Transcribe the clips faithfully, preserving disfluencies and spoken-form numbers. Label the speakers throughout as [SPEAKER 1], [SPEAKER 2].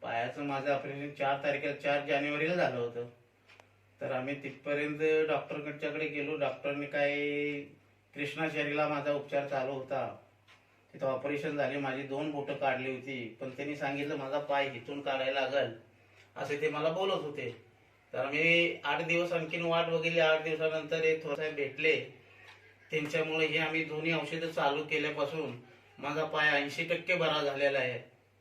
[SPEAKER 1] पायाचं माझं ऑपरेशन चार तारखेला चार जानेवारीला झालं होतं. तर आम्ही तिथपर्यंत डॉक्टरकडच्याकडे गेलो. डॉक्टरने काय कृष्णाचारीला माझा उपचार चालू होता. तिथं ऑपरेशन झाले, माझी दोन बोटं काढली होती. पण त्यांनी सांगितलं माझा पाय हिथून काढायला लागल असे ते मला बोलत होते. तर आम्ही आठ दिवस आणखीन वाट बघितली. आठ दिवसानंतर हे थोरसाहेब भेटले. त्यांच्यामुळे हे आम्ही दोन्ही औषधं चालू केल्यापासून माझा पाय ऐंशी टक्के बरा झालेला आहे.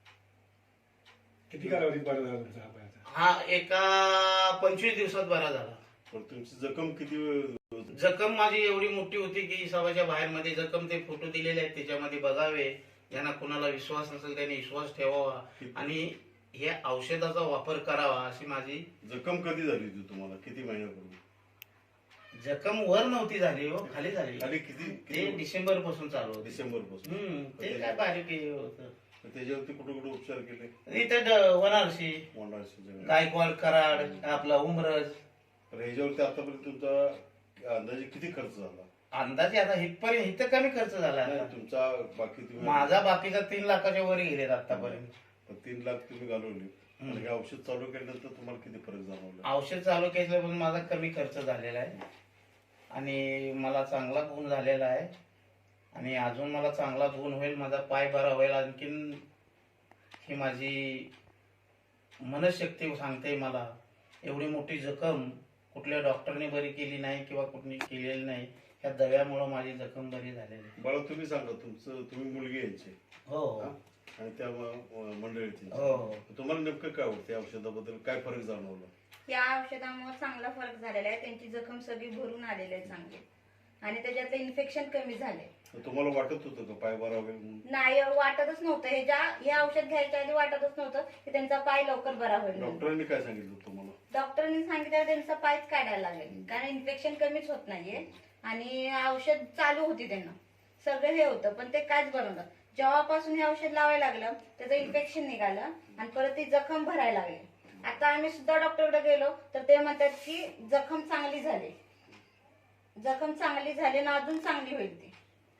[SPEAKER 2] किती कालावधीत बरा झाला तुमचा हा पायाचा?
[SPEAKER 1] हा एका पंचवीस दिवसात बरा झाला.
[SPEAKER 3] पण तुमची जखम किती?
[SPEAKER 1] जखम माझी एवढी मोठी होती की सवाच्या बाहेर मध्ये जखम, ते फोटो दिलेले आहेत त्याच्यामध्ये बघावे. ज्यांना कुणाला विश्वास नसेल त्यांनी विश्वास ठेवावा आणि या औषधाचा वापर करावा अशी माझी.
[SPEAKER 3] जखम कधी झाली होती तुम्हाला? किती महिन्यापूर्वी?
[SPEAKER 1] जखम वर नव्हती झाली हो, खाली झाली.
[SPEAKER 3] खाली किती?
[SPEAKER 1] ते डिसेंबर पासून चालू होतं.
[SPEAKER 3] डिसेंबर पासून.
[SPEAKER 1] हम्म ते काय बारीक हे होतं.
[SPEAKER 3] त्याच्यावरती कुठे कुठे उपचार केले?
[SPEAKER 1] इथं वनारसी,
[SPEAKER 3] मोंडाळशी,
[SPEAKER 1] गायकवाड, कराड, आपला उमरज.
[SPEAKER 3] तर ह्याच्यावरती आतापर्यंत तुमचा अंदाजे किती खर्च झाला?
[SPEAKER 1] अंदाजे आता इथपर्यंत इथं कमी खर्च झाला.
[SPEAKER 3] नाही, तुमचा बाकी तुम्ही
[SPEAKER 1] माझा बाकीचा तीन लाखाच्या वर गेलेत आतापर्यंत.
[SPEAKER 3] पण तीन लाख तुम्ही घालवले. आणि हे औषध चालू केल्यानंतर तुम्हाला किती फरक जाणवला?
[SPEAKER 1] औषध चालू केल्यापासून माझा कमी खर्च झालेला आहे आणि मला चांगला गुण झालेला आहे आणि अजून मला चांगला गुण होईल. माझा पाय बरा होईल. आणखीन ही माझी मनशक्ती सांगते मला एवढी मोठी जखम कुठल्या डॉक्टरने बरी केली नाही किंवा कुठली केलेली नाही. ह्या दव्यामुळे माझी जखम बरी झालेली आहे.
[SPEAKER 3] बाळा तुम्ही सांगा, तुमचं तुम्ही मुलगी यांची
[SPEAKER 1] हो
[SPEAKER 3] आणि त्या म- मंडळीची
[SPEAKER 1] हो.
[SPEAKER 3] तुम्हाला नेमकं काय वाटतं? औषधाबद्दल काय फरक जाणवला?
[SPEAKER 4] या औषधामुळे चांगला फरक झालेला आहे. त्यांची जखम सगळी भरून आलेली आहे चांगली आणि त्याच्यातलं इन्फेक्शन कमी झाले.
[SPEAKER 3] तुम्हाला वाटत होतं का पाय बरा होईल म्हणून?
[SPEAKER 4] नाही वाटतच नव्हतं. हे ज्या हे औषध घ्यायच्या आधी वाटतच नव्हतं की त्यांचा पाय लवकर बरा होईल.
[SPEAKER 3] डॉक्टरांनी काय सांगितलं तुम्हाला?
[SPEAKER 4] डॉक्टरांनी सांगितलं त्यांचा पायच काढायला लागेल कारण इन्फेक्शन कमीच होत नाहीये आणि औषध चालू होती त्यांना सगळं हे होतं पण ते काहीच बरं नव्हतं. जेव्हापासून हे औषध लावायला लागलं त्याचं इन्फेक्शन निघालं आणि परत ती जखम भरायला लागली. आता आम्ही सुद्धा डॉक्टरकडे गेलो तर ते म्हणतात की जखम चांगली झाली, जखम चांगली झाली ना अजून चांगली होईल ती.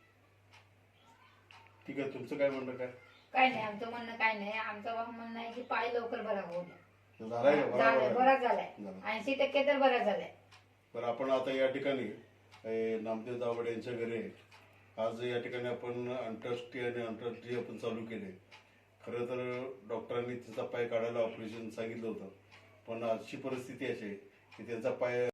[SPEAKER 3] ठीक आहे, तुमचं काय म्हणणं? काय
[SPEAKER 5] काय नाही, आमचं म्हणणं काय नाही. आमचं म्हणणं आहे की पाय लवकर बरा होऊ द्या.
[SPEAKER 3] झालाय का?
[SPEAKER 5] झालाय,
[SPEAKER 3] बरा
[SPEAKER 5] बरा झालाय.
[SPEAKER 3] झाला.
[SPEAKER 5] ऐंशी टक्के तर बरा झालाय.
[SPEAKER 3] बरं, आपण आता या ठिकाणी ए, नामदेव दावडे यांच्या घरी आहे. आज या ठिकाणी आपण अंतरराष्ट्रीय आणि आंतरराष्ट्रीय आपण चालू केले. खरं तर डॉक्टरांनी तिचा पाय काढायला ऑपरेशन सांगितलं होतं पण आजची परिस्थिती अशी आहे की त्यांचा पाय